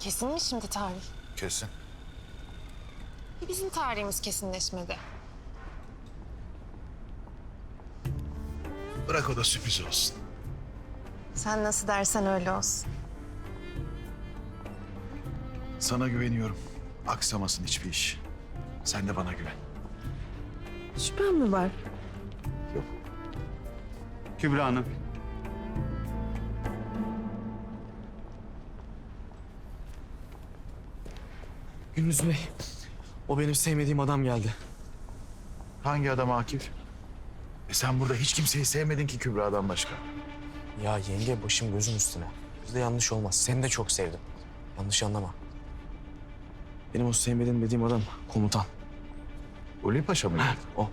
Kesin mi şimdi tarih? Kesin. Bizim tarihimiz kesinleşmedi. Bırak o da sürpriz olsun. Sen nasıl dersen öyle olsun. Sana güveniyorum. Aksamasın hiçbir iş. Sen de bana güven. Şüphen mi var? Kübra Hanım. Gündüz Bey, o benim sevmediğim adam geldi. Hangi adam Akif? Sen burada hiç kimseyi sevmedin ki Kübra'dan başka. Ya yenge başım gözüm üstüne. Bizde yanlış olmaz. Seni de çok sevdim. Yanlış anlama. Benim o sevmediğim dediğim adam komutan. Ulvi Paşa mıydı? O.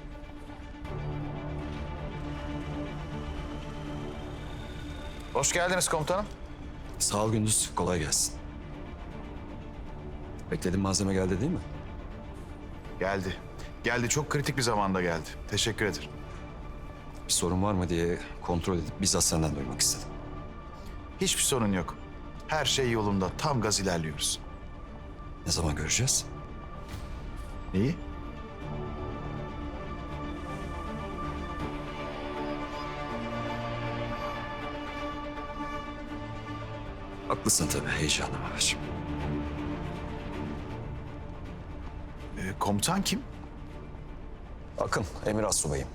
Hoş geldiniz komutanım. Sağ ol Gündüz, kolay gelsin. Beklediğin malzeme geldi değil mi? Geldi. Geldi. Çok kritik bir zamanda geldi. Teşekkür ederim. Bir sorun var mı diye kontrol edip bizzat senden duymak istedim. Hiçbir sorun yok. Her şey yolunda. Tam gaz ilerliyoruz. Ne zaman göreceğiz? Neyi? Haklısın tabii, heyecanım var. Komutan kim? Akın, Emir Astsubay'ım.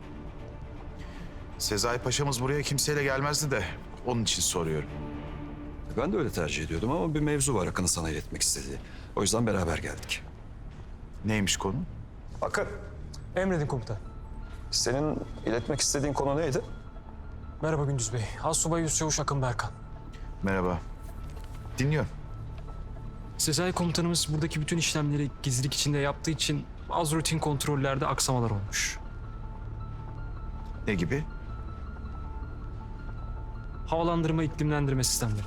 Sezai Paşa'mız buraya kimseyle gelmezdi de onun için soruyorum. Ben de öyle tercih ediyordum ama bir mevzu var Akın'ın sana iletmek istediği. O yüzden beraber geldik. Neymiş konu? Akın, Emredin komutan. senin iletmek istediğin konu neydi? Merhaba Gündüz Bey. Assubay Yüzçavuş Akın Berkan. Merhaba. Dinliyorum. Sezai komutanımız buradaki bütün işlemleri gizlilik içinde yaptığı için bazı rutin kontrollerde aksamalar olmuş. Ne gibi? Havalandırma, iklimlendirme sistemleri.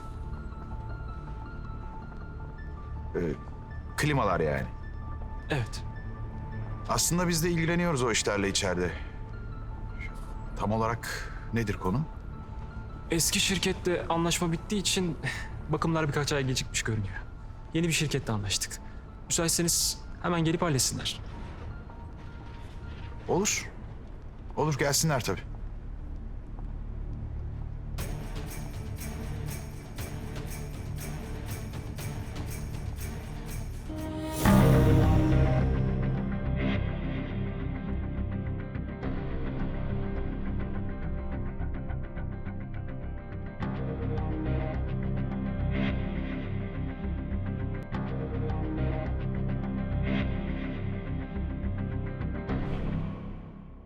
Klimalar yani. Evet. Aslında biz de ilgileniyoruz o işlerle içeride. Tam olarak nedir konu? Eski şirkette anlaşma bittiği için bakımlar birkaç ay gecikmiş görünüyor. Yeni bir şirkette anlaştık. Müsaitseniz hemen gelip halletsinler. Olur. Olur gelsinler tabii.